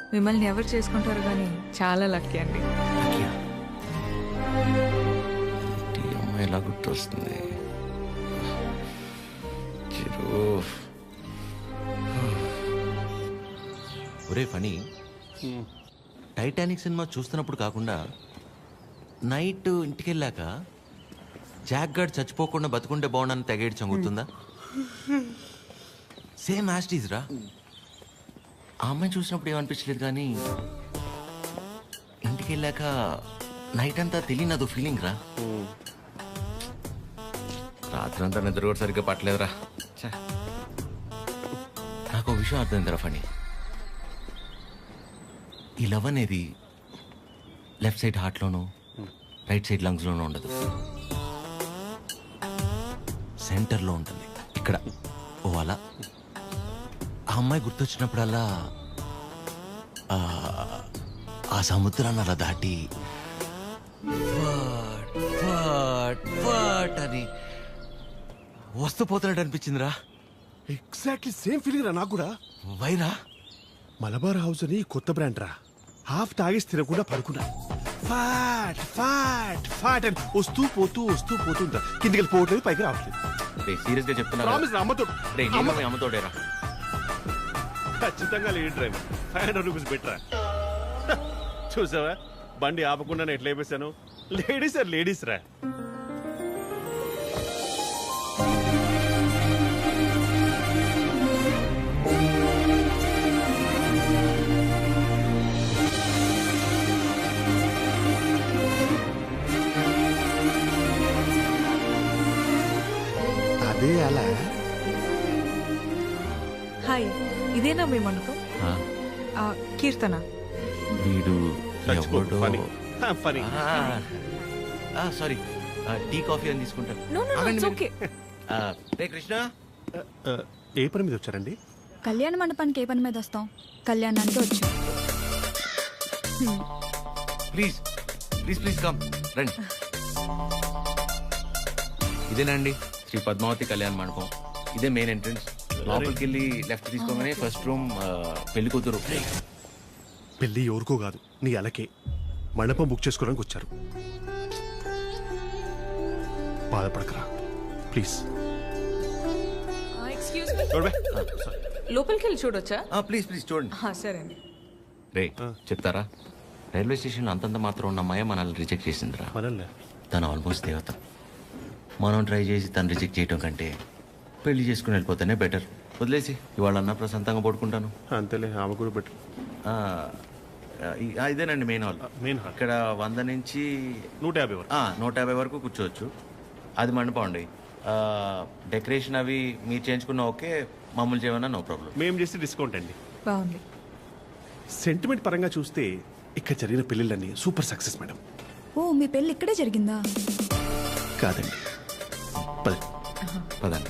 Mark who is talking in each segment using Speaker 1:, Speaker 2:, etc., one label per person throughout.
Speaker 1: మిమ్మల్ని ఎవరు చేసుకుంటారు కానీ చాలా లక్కీ అండి.
Speaker 2: ఈ అమ్మాయి ఎలా గుర్తొస్తుంది? ఒరే ఫనీ, టైటానిక్ సినిమా చూస్తున్నప్పుడు కాకుండా నైట్ ఇంటికి వెళ్ళాక జాక్ గార్డ్ చచ్చిపోకుండా బతుకుంటే బాగుండని తెగేడు చంగుతుందా? సేమ్ యాస్టీజ్ రా. ఆ అమ్మాయి చూసినప్పుడు ఏమనిపించలేదు కానీ ఇంటికి వెళ్ళాక నైట్ అంతా తెలియనదు ఫీలింగ్ రా. రాత్రి అంతా నిద్ర కూడా సరిగ్గా పట్టలేదురా. నాకు ఒక విషయం అర్థమైందిరా ఫనీ. ఈ లవ్ అనేది లెఫ్ట్ సైడ్ హార్ట్లోనూ రైట్ సైడ్ లంగ్స్లోనూ ఉండదు, సెంటర్లో ఉంటుంది. ఇక్కడ ఓ అలా ఆ అమ్మాయి గుర్తొచ్చినప్పుడల్లా ఆ సముద్రాన్ని అలా దాటి అని వస్తూ పోతున్నట్టు అనిపించిందిరా.
Speaker 3: ఎగ్జాక్ట్లీ సేమ్ ఫీలింగ్ రా నాకు కూడా.
Speaker 2: వైరా
Speaker 3: మలబార్ హౌస్ అని కొత్త బ్రాండ్ రా. హాఫ్ తాగేసి తినకుండా పడుకున్నా. ఫాట్ ఫాట్ ఫాట్ అని వస్తూ పోతుంటా. కిందికి వెళ్ళిపోవట్లేదు, పైకి రావట్లేదు.
Speaker 2: సీరియస్ గా చెప్తున్నా.
Speaker 3: ప్రామిస్ రా, అమ్మతో
Speaker 2: అమ్మతోడేరా.
Speaker 3: ఖచ్చితంగా లేడీ డ్రైవర్. 500 రూపీస్ బెటరా. చూసావా బండి ఆపకుండా ఎట్లా అయిపోయాను. లేడీస్ ఆర్ లేడీస్ రా. అదే అలా.
Speaker 1: హాయ్, ఇదేనా మీ మండపం? కీర్తన.
Speaker 2: వీడు
Speaker 3: ఫనీ.
Speaker 2: సారీ, టీ కాఫీ అని తీసుకుంటాను.
Speaker 1: No no no, it's okay.
Speaker 2: రే కృష్ణ,
Speaker 3: ఏ పని మీద వచ్చారండి?
Speaker 4: కళ్యాణ మండపానికి ఏ పని మీద వస్తాం? కళ్యాణానికి వచ్చాం.
Speaker 2: ప్లీజ్ ప్లీజ్ ప్లీజ్ కమ్, రండి. ఇదేనండి శ్రీ పద్మావతి కళ్యాణ మండపం. ఇదే మెయిన్ ఎంట్రన్స్. లోపలికి వెళ్ళి లెఫ్ట్ తీసుకోగానే ఫస్ట్ రూమ్ పెళ్లి కూతురు.
Speaker 3: పెళ్లి ఎవరికో కాదు, నీ అలకే. మండపం బుక్ చేసుకోవడానికి వచ్చారు. బాధపడకరా ప్లీజ్.
Speaker 1: ఎక్స్క్యూజ్ మీ, లోపలికి వెళ్ళి చూడొచ్చా?
Speaker 2: ప్లీజ్ ప్లీజ్ చూడండి.
Speaker 1: సరే అండి.
Speaker 2: రే చెప్తారా, రైల్వే స్టేషన్లో అంతంత మాత్రం ఉన్న అమ్మాయి మనల్ని రిజెక్ట్ చేసిందిరా.
Speaker 3: మనల్ని
Speaker 2: తను ఆల్మోస్ట్ దేవత. మనం ట్రై చేసి తను రిజెక్ట్ చేయటం కంటే పెళ్లి చేసుకుని వెళ్ళిపోతేనే బెటర్. వదిలేసి ఇవాళ అన్న ప్రశాంతంగా పడుకుంటాను.
Speaker 3: అంతేలే, ఆమె కూడా బెటర్.
Speaker 2: ఇదేనండి మెయిన్ హాల్.
Speaker 3: మెయిన్ హాల్
Speaker 2: ఇక్కడ 100 నుంచి
Speaker 3: 150 వరకు.
Speaker 2: 150 వరకు కూర్చోవచ్చు. అది మండపం అండి. డెకరేషన్ అవి మీరు చేయించుకున్న ఓకే, మామూలు చేయమన్నా నో ప్రాబ్లం.
Speaker 3: మేము చేస్తే డిస్కౌంట్ అండి.
Speaker 1: బాగుంది.
Speaker 3: సెంటిమెంట్ పరంగా చూస్తే ఇక్కడ జరిగిన పెళ్ళిళ్ళన్నీ సూపర్ సక్సెస్ మేడం.
Speaker 4: ఓ, మీ పెళ్ళి ఇక్కడే జరిగిందా?
Speaker 3: కాదండి,
Speaker 2: పదండి.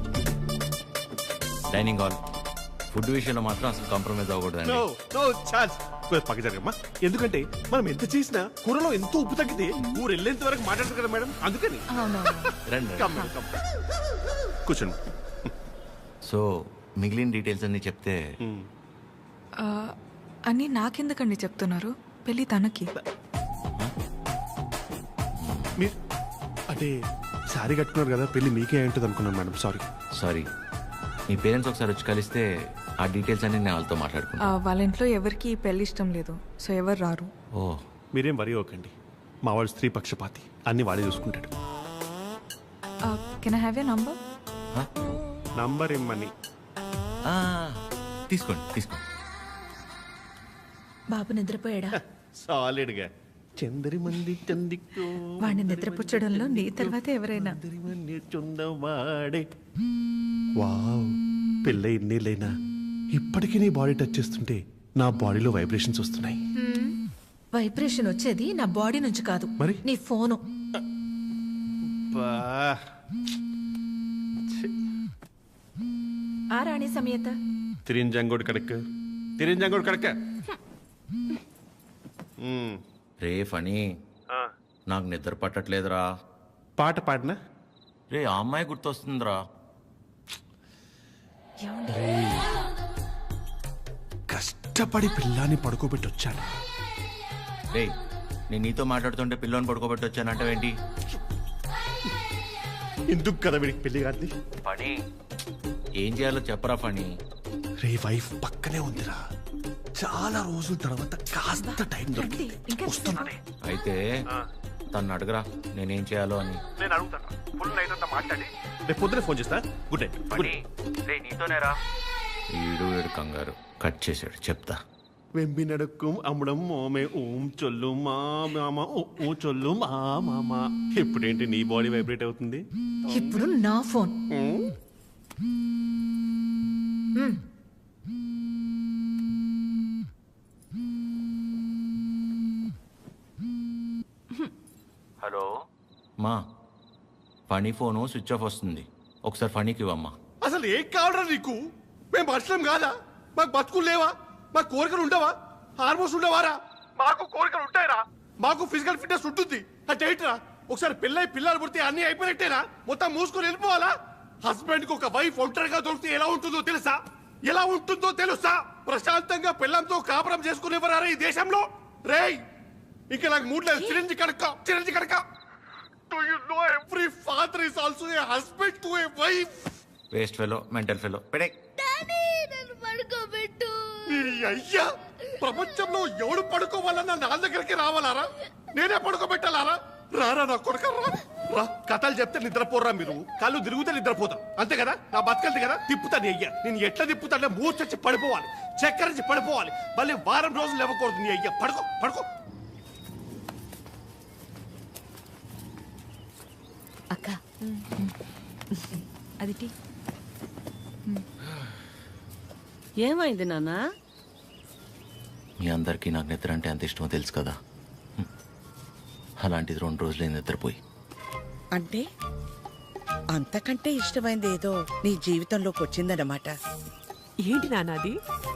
Speaker 2: Dining hall. ఫుడ్ విషయంలో మాత్రం అసలు కాంప్రమైజ్ అవ్వకూడదండి.
Speaker 3: పక్క జరగమ్మా. ఎందుకంటే మనం ఎంత చేసినా కూరలో ఎంతో ఉప్పు తగ్గితే ఊరు వెళ్ళేంత వరకు మాట్లాడతారు కదా మేడం, అందుకని.
Speaker 2: రండి.
Speaker 3: కూర్చోండి.
Speaker 2: సో మిగిలిన డీటెయిల్స్ అన్ని చెప్తే.
Speaker 1: అని నాకెందుకండి చెప్తున్నారు? పెళ్ళి తనకి.
Speaker 3: మీరు అంటే సారీ కట్టుకున్నారు కదా, పెళ్లి మీకే ఉంటుంది అనుకున్నాను మేడం.
Speaker 2: సారీ. మీ పేరెంట్స్ ఒకసారి వచ్చి కలిస్తే ఆ డీటెయిల్స్ అన్ని నేను వాళ్ళతో మాట్లాడుకున్నాను.
Speaker 1: వాళ్ళ ఇంట్లో ఎవరికి పెళ్లి ఇష్టం లేదు, సో ఎవరు రారు.
Speaker 2: ఓ,
Speaker 3: మీరేం వరి అవ్వకండి. మా వాడు స్త్రీ పక్షపాతి, అన్ని వాడే చూసుకుంటాడు.
Speaker 1: Can I have your number?
Speaker 3: Number ఇమ్మని.
Speaker 2: తీసుకోండి.
Speaker 1: బాబు నిద్రపోయాడా?
Speaker 3: సాలిడ్గా. చందరి మంది చందికో
Speaker 1: వాడిని నిద్రపుచ్చడంలో నీ తర్వాత ఎవరైనా.
Speaker 3: వాడే. వావ్, పెళ్ళై ఇన్నేళ్ళైనా ఇప్పటికీ నీ బాడీ టచ్ చేస్తుంటే నా బాడీలో వైబ్రేషన్స్ వస్తున్నాయి.
Speaker 5: వైబ్రేషన్ వచ్చేది నా బాడీ నుంచి కాదు,
Speaker 3: మరి
Speaker 5: నీ ఫోను. ఆ రాణి సమేత
Speaker 3: తిరింజంగోడు కడక.
Speaker 2: రే ఫనీ, నాకు నిద్ర పట్టట్లేదురా.
Speaker 3: పాట పాడినా?
Speaker 2: రే ఆ అమ్మాయి గుర్తొస్తుందిరా.
Speaker 3: కష్టం కష్టపడి పిల్లాన్ని పడుకోబెట్టి వచ్చాను.
Speaker 2: రే నేను నీతో మాట్లాడుతుంటే పిల్లోని పడుకోబెట్టి వచ్చానంటావేంటి?
Speaker 3: ఎందుకు కదా వీడికి పెళ్లి కాదు?
Speaker 2: పని ఏం చేయాలో చెప్పరా పని.
Speaker 3: రే వైఫ్ పక్కనే ఉందిరా, చాలా రోజుల తర్వాత కాస్త టైం దొరికింది, వస్తున్నానే.
Speaker 2: అయితే తను అడగరా నేనేం చేయాలో అని.
Speaker 3: నేను అడుగుతాను, ఫుల్ నైట్ అంతా మాట్లాడి రేపు పొద్దునే ఫోన్ చేస్తా. Good night.
Speaker 2: నీతోనేరా. వీడు కంగారు కట్ చేశాడు, చెప్తా.
Speaker 3: వెంబి నడుక్కుం అమ్మడం మోమే ఓం చొల్లు మా మామ ఓ చొల్లు మా మామ. ఇప్పుడేంటి నీ బాడీ వైబ్రేట్ అవుతుంది?
Speaker 5: ఇప్పుడు నా ఫోన్.
Speaker 2: హలో మా, ఫనీ ఫోను స్విచ్ ఆఫ్ వస్తుంది, ఒకసారి ఫనీకి ఇవ్వమ్మా.
Speaker 3: అసలు ఏం కావడరా నీకు? మేము మనుషులం కాదా? మాకు బతుకులు లేవా? మాకు కోరికలు ఉండవా? హార్మోన్స్ ఉండవారా? మాకు కోరికలు ఉంటాయరా? మాకు ఫిజికల్ ఫిట్నెస్ ఉంటుంది అంటే ఏంట్రా? ఒకసారి పెళ్ళై పిల్లలు పుడితే అన్ని అయిపోయినట్టేనా? మొత్తం మూసుకొని వెళ్ళిపోవాలా? హస్బెండ్ కి ఒక వైఫ్ ఒంటరిగా దొరికితే ఎలా ఉంటుందో తెలుసా? ఎలా ఉంటుందో తెలుసా? ప్రశాంతంగా పిల్లంతో కాపురం చేసుకునేవారా ఈ దేశంలో? రేయ్ ఇంకా నాకు మూడు లేదు. చిరంజి కడక Do you know every father is also a husband to a wife?
Speaker 2: Waste fellow, mental fellow. పెడే
Speaker 3: ఈ అయ్యా, ప్రపంచంలో ఎవడు పడుకోవాలన్నా నా దగ్గరికి రావాలారా? నేనే పడుకోబెట్టాలారా? రారా నా కొడుక, రా. కథలు చెప్తే నిద్రపోరా మీరు, కళ్ళు తిరుగుతే నిద్రపోతాం, అంతే కదా? నా బతకల్ది కదా, తిప్పుతాను అయ్యా. నేను ఎట్లా తిప్పుతానే మూర్చొచ్చి పడిపోవాలి, చక్కరించి పడిపోవాలి, మళ్ళీ వారం రోజులు ఇవ్వకూడదు. నీ అయ్యా పడుకో.
Speaker 4: అక్క అది టీ.
Speaker 6: ఏమైంది నాన్న?
Speaker 2: మీ అందరికీ నాకు నిద్ర అంటే అంత ఇష్టమో తెలుసు కదా. అలాంటిది 2 రోజులే నిద్రపోయి.
Speaker 7: అంటే అంతకంటే ఇష్టమైంది ఏదో నీ జీవితంలోకి వచ్చిందన్నమాట.
Speaker 8: ఏంటి నాన్నది?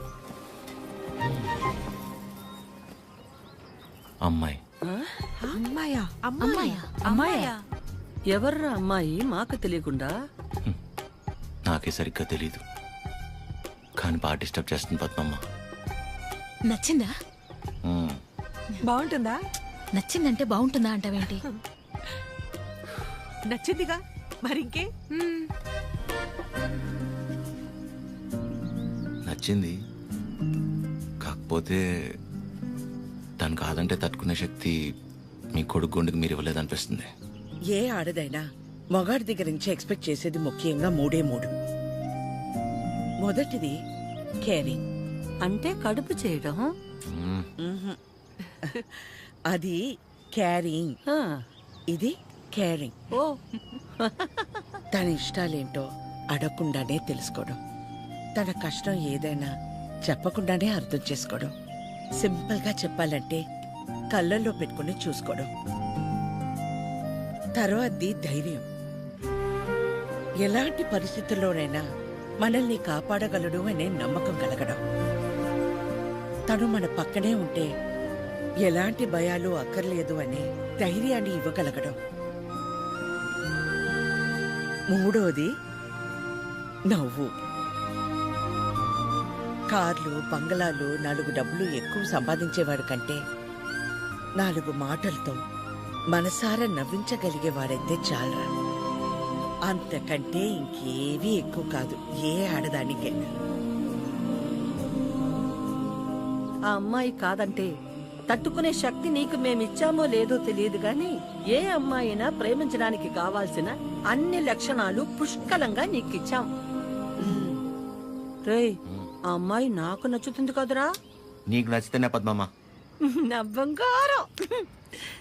Speaker 2: అమ్మాయి.
Speaker 8: అమ్మాయా?
Speaker 4: అమ్మాయా?
Speaker 6: ఎవర్రా అమ్మాయి? మాకు తెలియకుండా.
Speaker 2: నాకే సరిగ్గా తెలీదు, కానీ బాగా డిస్టర్బ్ చేస్తుంది పద్మమ్మ.
Speaker 4: నచ్చిందా?
Speaker 8: బాగుంటుందా?
Speaker 4: నచ్చిందంటే బాగుంటుందా అంటావేంటి?
Speaker 8: నచ్చిందిగా, మరింకే?
Speaker 2: నచ్చింది, కాకపోతే తను కాదంటే తట్టుకునే శక్తి మీ కొడుకు గుండెకి మీరు ఇవ్వలేదనిపిస్తుంది.
Speaker 7: ఏ ఆడదైనా మొగాడి దగ్గర నుంచి ఎక్స్పెక్ట్ చేసేది ముఖ్యంగా 3. మొదటిది కేరింగ్.
Speaker 6: అంటే కడుపు చేయడం.
Speaker 7: అది క్యారింగ్,
Speaker 6: ఆ,
Speaker 7: ఇది కేరింగ్.
Speaker 6: ఓ
Speaker 7: తన ఇష్టాలేంటో అడగకుండానే తెలుసుకోవడం, తన కష్టం ఏదైనా చెప్పకుండానే అర్థం చేసుకోవడం, సింపుల్ గా చెప్పాలంటే కళ్ళల్లో పెట్టుకుని చూసుకోవడం. తర్వాతది ధైర్యం. ఎలాంటి పరిస్థితుల్లోనైనా మనల్ని కాపాడగలడు అనే నమ్మకం కలగడం. తను మన పక్కనే ఉంటే ఎలాంటి భయాలు అక్కర్లేదు అనే ధైర్యాన్ని ఇవ్వగలగడం. 3వది నవ్వు. కార్లు, బంగళాలు, 4 డబ్బులు ఎక్కువ సంపాదించేవాడు కంటే 4 మాటలతో మనసారా నవ్వించగలిగేవాడైతే చాలరా. అంతకంటే ఇంకేవీ ఎక్కువ కాదు ఏ ఆడదానికైనా.
Speaker 6: ఆ అమ్మాయి కాదంటే తట్టుకునే శక్తి నీకు మేమిచ్చామో లేదో తెలియదు గాని ఏ అమ్మాయినా ప్రేమించడానికి కావాల్సిన అన్ని లక్షణాలు పుష్కలంగా నీకిచ్చాం. రేయ్, ఆ అమ్మాయి నాకు నచ్చుతుంది కదరా?
Speaker 2: నీకు నచ్చితేనే పద్మమ్మ.
Speaker 6: నా బంగారం.